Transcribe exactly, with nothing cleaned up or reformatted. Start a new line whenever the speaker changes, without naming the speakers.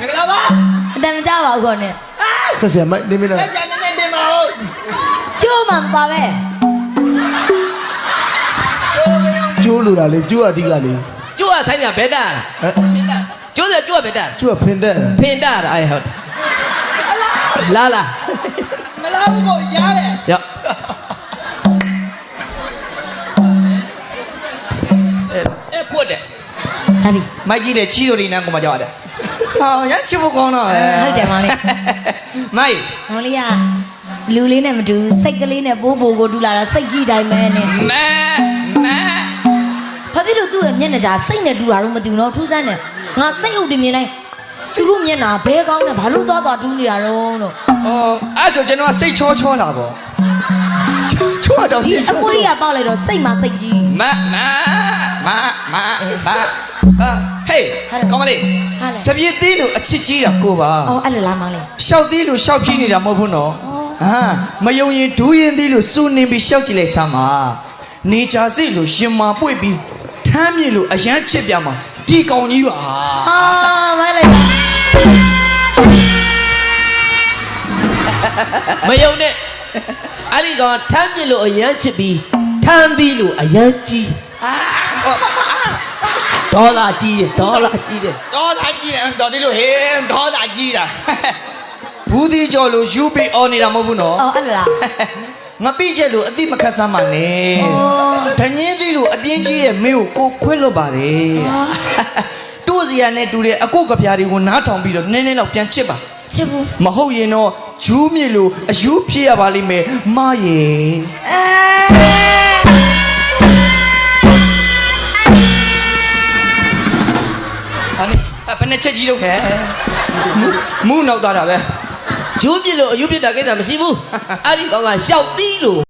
မင်္ဂလာပါ
အတန်မကြပါဘူးခေါ်နေ
ဆက်ဆက်မနေမလား
ဆက်ဆက်နေနေတင်ပါဦး
ကျိုးမှမပါပဲ
ကျိုးလိုတာလေကျိုးအဓိကလေ
ကျိုးကဆိုင်ပြဘဲတာဟမ်ကျိုးတယ်ကျိုးကဘဲတာ
ကျိုးကဖင်တဲ့
ဖင်တာအဲ့ဟုတ်လာလာ
မလားဘူးကိုရားတယ်
ရောအဲ့ပွတ်တယ်
ဟာပြီ
မိုက်ကြီးတဲ့ချီးတို့ဒီနန်းကိုမကြောက်ရတယ်ဟာရချစ်ဖို့ကောင်းတော့
ဟုတ်တယ်မောင်လေး
မိုက်
မောင်လေးကလူလေးနဲ့မတူစိတ်ကလေးနဲ့ပိုးပိုးကိုတူလာတာစိတ်ကြီးတိုင်းပဲနဲ့
မဲမဲ
ဘာဖြစ်လို့သူ့ရဲ့မျက်နှာကြာစိတ်နဲ့တူတာတော့မတူတော့ထူးဆန်းတယ်ငါစိတ်ဥတည်မြင်တိုင်းသူတို့မျက်နှာဘဲကောင်းနဲ့ဘာလို့သွားသွားတူးနေတာတော့လို့
အော်အဲ့ဆိုကျွန်တော်ကစိတ်ချောချောလာပေါ့ချောတော့စိတ်ချော
အပွေးကပေါက်လိုက်တော့စိတ်မှာစိတ်ကြီး
မမမမဘာဟေးကောင်းမလေးစပြည့်သေးလို့အချစ်ကြီးတာကိုပါ
အော်အဲ့လိုလားမောင်လေး
ရှောက်သေးလို့ရှောက်ဖြီးနေတာမဟုတ်ဘူးနော်ဟာမယုံရင်ဒူးရင်သေးလို့စူနေပြီးရှောက်ကြည့်လိုက်စမ်းပါနေချာစိလို့ရှင်မာပွေ့ပြီးထမ်းမြေလို့အရန်ချစ်ပြမှာဒီကောင်ကြီးပါ
ဟာမိုင်းလိုက်
မယုံနဲ့အဲ့ဒီကောင်ထမ်းပြလို့အရန်ချစ်ပြီးထမ်းပြီးလို့အရန်ကြီးဒေါ်လာကြီးတယ်ဒေါ်လာကြီးတယ်
ဒေါ်လာကြီးတယ်ဒေါ်ဒီလိုဟေးဒေါ်လာကြီးတာဘူးဒီကျော်လို့ယူပြီးအော်နေတာမဟုတ်ဘူးနော်
အော်အဲ့လိုလား
ငါပြည့်ချက်လို့အတိမခတ်ဆမ်းပါနဲ့ဒညင်းသီးလို့အပြင်းကြီးတဲ့မင်းကိုကိုခွင့်လွတ်ပါတယ်တို့စီရနဲ့တူတဲ့အကုတ်ကပြားတွေကိုနားထောင်ပြီးတော့နည်းနည်းတော့ပြန်ချစ်ပါ
ချစ်ဘူး
မဟုတ်ရင်တော့ဂျူးမြေလို့အယူဖြစ်ရပါလိမ့်မယ်မရေအဲဘယ်နဲ့ချက်ကြီးတော့ခဲမူးနောက်သွားတာပဲ
ဂျိုးပြစ်လို့အယူပြစ်တာကိစ္စမရှိဘူးအဲ့ဒီကောင်ကရှောက်သီးလို့